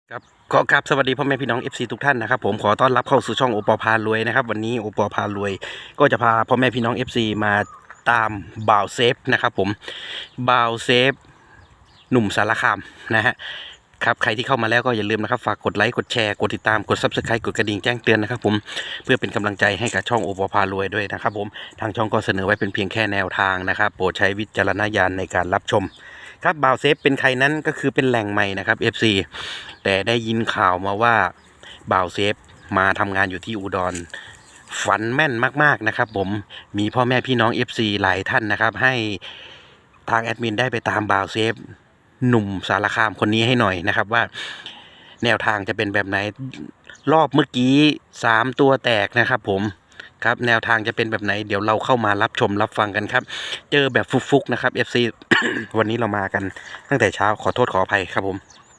ครับขอกราบสวัสดีพ่อแม่พี่น้อง FC ทุกท่านนะครับผมขอต้อนรับเข้าสู่ช่องโอปอพารวยนะครับวันนี้โอปอพารวยก็จะพาพ่อแม่พี่น้อง FC มาตามบ่าวเซฟนะครับผมบ่าวเซฟหนุ่มสารคามนะฮะครับใครที่เข้ามาแล้วก็อย่าลืมนะครับฝากกดไลค์กดแชร์กดติดตามกด Subscribe กดกระดิ่งแจ้งเตือนนะครับผมเพื่อเป็นกำลังใจให้กับช่องโอปอพารวยด้วยนะครับผมทางช่องก็เสนอไว้เป็นเพียงแค่แนวทางนะครับโปรดใช้วิจารณญาณในการรับชมครับบ่าวเซฟเป็นใครนั้นก็คือเป็นแหล่งใหม่นะครับ FCแต่ได้ยินข่าวมาว่าบ่าวเซฟมาทำงานอยู่ที่อุดรฝันแม่นมากๆนะครับผมมีพ่อแม่พี่น้อง FC หลายท่านนะครับให้ทางแอดมินได้ไปตามบ่าวเซฟหนุ่มสารคามคนนี้ให้หน่อยนะครับว่าแนวทางจะเป็นแบบไหนรอบเมื่อกี้3ตัวแตกนะครับผมครับแนวทางจะเป็นแบบไหนเดี๋ยวเราเข้ามารับชมรับฟังกันครับเจอแบบฟุกๆนะครับ FC วันนี้เรามากันตั้งแต่เช้าขอโทษขออภัยครับผม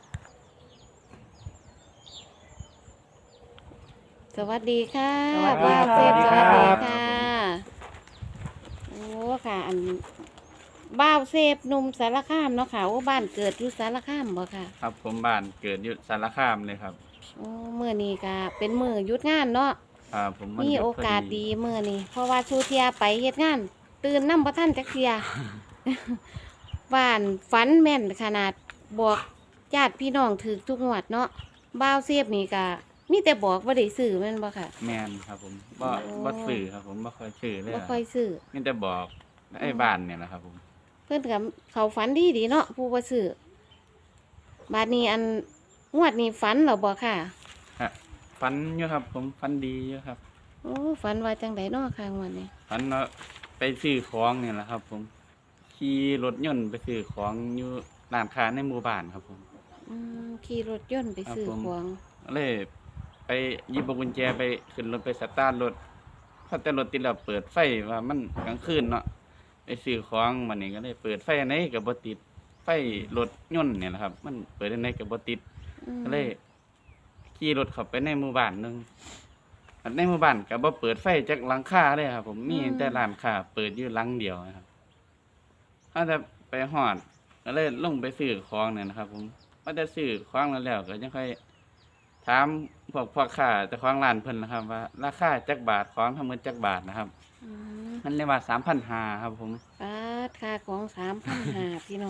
สวัสดีค่ะสวัสดีบ่าวครับเซฟสวัสดีครับค่ะโอ้ค่ะอันบ่าวเซฟหนุ่มสารคามเนาะค่ะโอ้บ้านเกิดอยู่สารคามบ่ค่ะครับผมบ้านเกิดอยู่สารคามเลยครับโอ้มื้อนี้ก็เป็นมื้อหยุดงานเนาะผมวันมีหยุดโอพกาสดีมื้อนี้เพราะว่าชูเทียไปเฮ็ดงาน ตื่นนำบ่ทันจักเที่ย บ้านฝันแม่นขนาดบอกญาติพี่น้องถูกทุกงวดเนาะบ่าวเซฟนี่ก็มีแต่บอกบ่ได้ซื้อแม่นบ่ค่ะแมนครับผมบ่โอ้บ่สื่อครับผมบ่ค่อยสื่อเลยบ่ค่อยซื้อมีแต่บอกไอ้บ้านเนี่ยนะครับผมเพื่อนกับเขาฝันดีเนาะผู้ว่าซื้อบาดนี้อันงวดนี้ฝันเหราบ่ค่ะฟันอยู่ครับ ผมฟันดีอยู่ครับโอ้ฝันว่าจังไดเนาะค่ะงวดนี้ฟันว่าไปซื้อของเนี่ยแหละครับ ผมขี่รถยนต์ไปซื้อของอยู่ร้านค้าในหมู่บ้านครับผมขี่รถยนต์ไปซื้อครับผมของเลยไปหยิบกุญแจไปขึ้นรถไปสตาร์ทรถพอแต่รถติดแล้วเปิดไฟว่ามันกลางคืนเนาะไปซื้อของมันนี่ก็เลยเปิดไฟอันไหนก็บ่ติดไฟรถยนต์เนี่ยนะครับ มันเปิดอันไหนก็บ่ติดอืมก็เลยขี่รถเข้าไปในหมู่บ้านหนึงอันในหมู่บ้านก็บ่เปิดไฟจากหลังคาเลยครับ ผมมีแต่ร้านค้าเปิดอยู่หลังเดียวนะครับถ้าจะไปฮอดก็เลยลงไปซื้อของเนี่ยนะครับ ผมว่าจะซื้อของแล้วก็ยังค่อยถามพวกพ่อค้าเจ้าของร้านเพิ่นนะครับ ว่าราคาจักบาทของทั้งหมดจักบาทนะครับอืมมันเลยว่า3,500ครับ ผมปาดค่าของ3,500พี่น้อง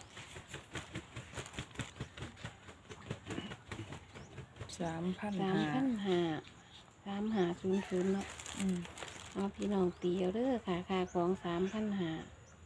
3,500 3,500เนาะเอาพี่น้องตีเอาเด้อค่ะค่าของ3,500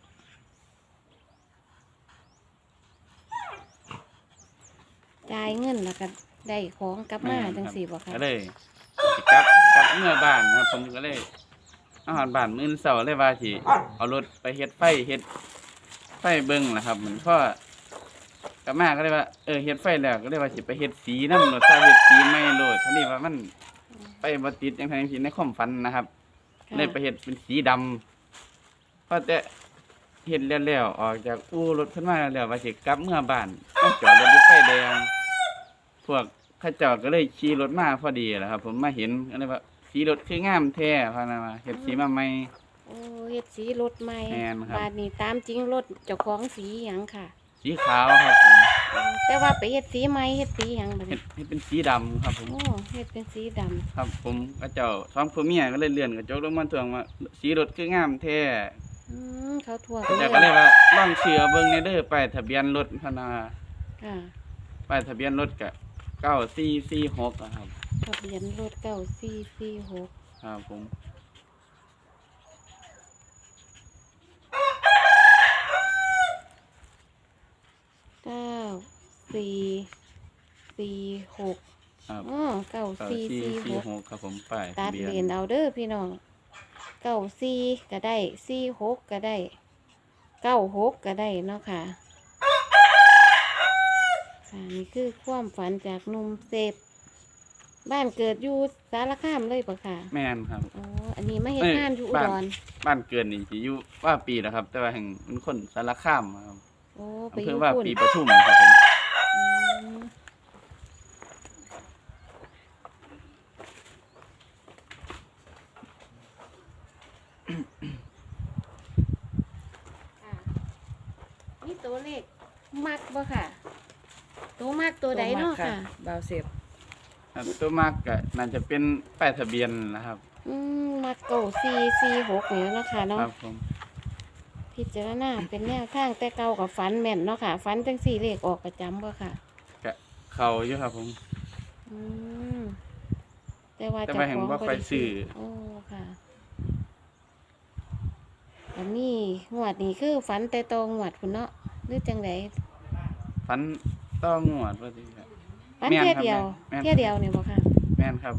จ่ายเงินแล้วก็ได้ของกลับมาจังสี่บ่ค่ะก็เลยสิกลับเมื่อบ้านนะครับ ผมก็เลยอาหารบ้านมื้อเช้าเลยว่าสิเอารถไปเฮ็ดไฟเบิ่งล่ะครับมันก็กลับมาก็เลยว่าเฮ็ดไฟแล้วก็เลยว่าสิไปเฮ็ดสีนำรถถ้าเฮ็ดสีไม่โลดทีนี้ว่ามันไปบ่ติดจังซั่นจังซี่ในความฝันนะครับค่ะเลยไปเฮ็ดเป็นสีดำพอแต่เฮ็ดแล้วออกจากอู่รถขึ้นมาแล้วว่าสิกลับเมื่อบ้านต้องจอดรถอยู่ไฟแดง พวกเข้าเจ้าก็เลยขี่รถมาพอดีแหละครับ ผมมาเห็นก็เลยว่าสีรถคืองามแท้พานะว่าเฮ็ดสีมาใหม่โอ้เฮ็ดสีรถใหม่แม่นครับบาดนี้ตามจริงรถเจ้าของสีหยังค่ะสีขาวครับผมแต่ว่าไปเฮ็ดสีใหม่เฮ็ดสีหยังบัดเฮ็นี้ดให้เป็นสีดำครับผมโอ้เฮ็ดเป็นสีดำครับผมเข้าเจ้าสองผัวเมียก็เลยเลื่อนกระจกลงมาทวงว่าสีรถคืองามแท้เขาทั่วเข้าเจ้าก็เลยว่าลองเชื่อเบิ่งในเด้อป้ายทะเบียนรถพะนาค่ะป้ายทะเบียนรถก็9446อะครับทะเบียนรถ9446 ครับผม 9446 ครับอ๋อ9446 9446ครับผมป้ายตัทะดเบียเหรียญนเอาเด้อพี่น้อง94ก็ได้46ก็ได้96ก็ได้เนาะค่ะค่ะนี่คือความฝันจากหนุ่มเซฟบ้านเกิดอยู่สารคามเลยปะค่ะแม่นครับอ๋ออันนี้มาเฮ็ดงานอยู่อุดรบ้านเกิดนี่สิอยู่ว่าปีแล้วครับ แต่ว่าแห่งเป็นคนสารคามครับโอ้ไปอำอเภยู่อว่าพุ่นปีปทุมครับผมอืมค่ะนี่ตัวเลขมักบ่ค่ะ ตตัวมากตัวใดเนาะค่ะบาวเซฟครับตัวมากก็น่าจะเป็นป้ายทะเบียนนะครับมาเก่า446นี่เนาะค่ะเนาะครับผมพิจารณาเป็นแนวทางแต่เก่ากับฝันแม่นเนาะค่ะฝันจังสี่เลขออกประจำบ่ค่ะก็เข้าอยู่ครับผมอืมแต่ว่าแต่ว่าเห็นว่าบ่ไปด้ซื้อโอ้ค่ะอันนี้งวดนี้คือฝันแต่ตองวดพุ่นเนาะหรือจังไดฝันต้องงวดว่าสิครับฝันแม่นเที่ยครับเดียวแม่นเที่ยเดียวเนี่ยบ่ค่ะแม่นครับผม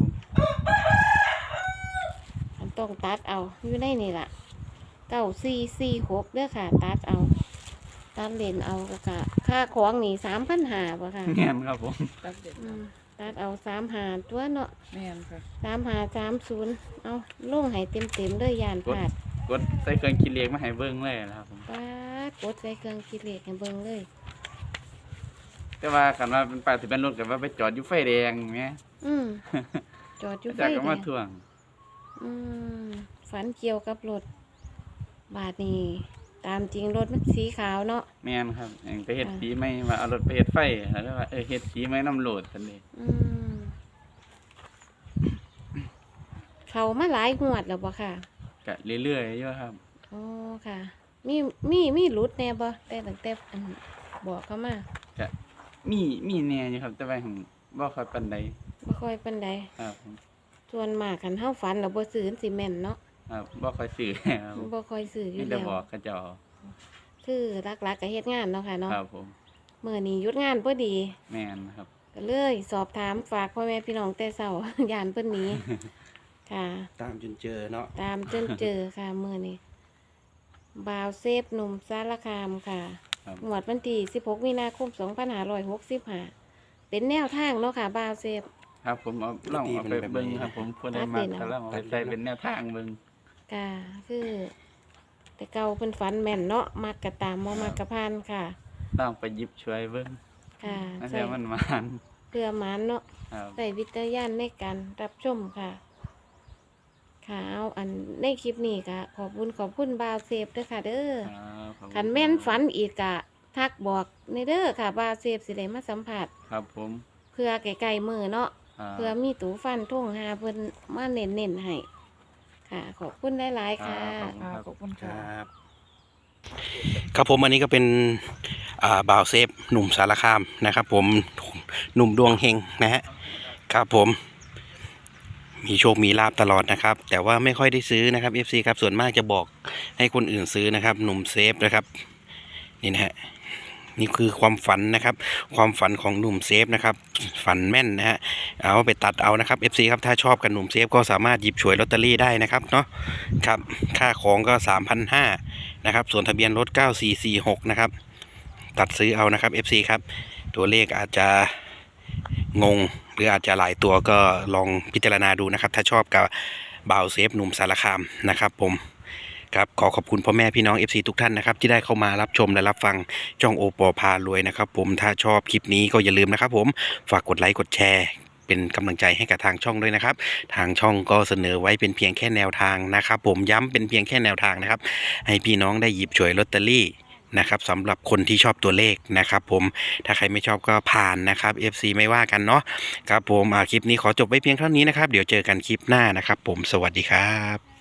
อันต้องตัดเอาอยู่ในนี่ล่ะ9446เด้อค่ะ ตัดเอาตัดเลนเอาก็ค่ะค่าของนี่3,500บ่ค่ะแม่นครับผมตัดเด็ดอืมตัดเอา35ตัวเนาะแม่นค่ะ 3530เอาลงให้เต็มๆเลยยานพลาดกดใส่เครื่องคิดเลขมาให้เบิ่งเลยนะครับผมป้าดกดใส่เครื่องคิดเลขให้เบิ่งเลยแต่ว่าคันว่าเป็นป้ายทะเบียนรถก็ว่าไปจอดอยู่ไฟแดงแหมอืมจอดอยู่ไฟจากก็แดมาง ทวงอืมฝันเกี่ยวกับรถบาทนี้ตามจริงรถมันสีขาวเนาะแม่นครับเองไปเฮ็ดอ่าสีไหมว่าเอารถไปเฮ็ดไฟแล้วว่าเฮ็ดสีไหมน้ำโหลดซั่นเด้อืมเขามาหลายงวดแล้วบ่ค่ะก็เรื่อยๆอยู่ครับอ๋อค่ะ มีหลุดแน่บ่แต่ตั้งแต่อันบอกเขามาก็มีแน่อยู่ครับ แต่ว่าหั้นบ่ค่อยปานใดบ่ค่อยปานใดครับผมส่วนมากคันเฮาฝันแล้วบ่ซื้อสิแม่นเนาะครับบ่ค่อยซื้อครับบ่ค่อยซื้ออมียู่แต่แล้วบอกเขาเจ้าคือหลักๆก็เฮ็ดงานเนาะค่ะเนาะครับผมมื้อนี้หยุดงานพอดีแม่นครับก็เลยสอบถามฝากพ่อแม่พี่น้องแต่เช้า ย่านเพิ่นหนี้ ค่ะตามจนเจอเนาะตามจนเจอค่ะมื้อนี้บ่าวเซฟหนุ่มสารคามค่ะครับงวดวันที่16มีนาคม2565เป็นแนวทางเนาะค่ะบ่าวเซฟครับผมเอาลองเอาไปเบิ่งครับผมผู้ใดมักก็ลองเอาไปใส่เป็นแนวทางเบิ่งค่ะคือ แต่เก่าเพิ่นฝันแม่นเนาะมักกะตามบ่มักกะพานค่ะลองไปหยิบช่วยเบิ่งค่ะนั่นใส่แหละมันมานเพื่อหมานเนาะครับใส่วิจารณญาณในการรับชมค่ะ ค่ะเอาอันในคลิปนี้ค่ะ ขอบคุณบาวเซฟด้วยค่ะ เด้อครับขอบคุณขันแม่นฝันอีกกะ ทักบอกในเด้อค่ะบาวเซฟสิได้มาสัมผัสครับผมเพื่อไกลๆมือเนาะครับเพื่อมีตูฟันท่งหาเพิ่นมาเน้นๆให้ ค่ะ ขอบคุณหลายๆค่ะขอบคุณคค่ะรับครับผมอันนี้ก็เป็นบ่าวเซฟหนุ่มสารคามนะครับผมหนุ่มดวงเฮงนะฮะครับผมมีโชคมีลาบตลอดนะครับ แต่ว่าไม่ค่อยได้ซื้อนะครับ FC ครับส่วนมากจะบอกให้คนอื่นซื้อนะครับหนุ่มเซฟนะครับนี่นะฮะนี่คือความฝันนะครับความฝันของหนุ่มเซฟนะครับฝันแม่นนะฮะเอาไปตัดเอานะครับ FC ครับถ้าชอบกับหนุ่มเซฟก็สามารถหยิบฉวยลอตเตอรี่ได้นะครับเนาะครับค่าของก็ 3,500 นะครับส่วนทะเบียนรถ 9446 นะครับตัดซื้อเอานะครับ FC ครับตัวเลขอาจจะงงหรืออาจจะหลายตัวก็ลองพิจารณาดูนะครับถ้าชอบกับบ่าวเซฟหนุ่มสารคามนะครับผมครับขอบคุณพ่อแม่พี่น้อง FC ทุกท่านนะครับที่ได้เข้ามารับชมและรับฟังช่องโอปอพารวยนะครับผมถ้าชอบคลิปนี้ก็อย่าลืมนะครับผมฝากกดไลค์กดแชร์เป็นกำลังใจให้กับทางช่องด้วยนะครับทางช่องก็เสนอไว้เป็นเพียงแค่แนวทางนะครับผมย้ำเป็นเพียงแค่แนวทางนะครับให้พี่น้องได้หยิบฉวยลอตเตอรี่นะครับสำหรับคนที่ชอบตัวเลขนะครับผมถ้าใครไม่ชอบก็ผ่านนะครับ FC ไม่ว่ากันเนาะครับผมคลิปนี้ขอจบไว้เพียงเท่านี้นะครับเดี๋ยวเจอกันคลิปหน้านะครับผมสวัสดีครับ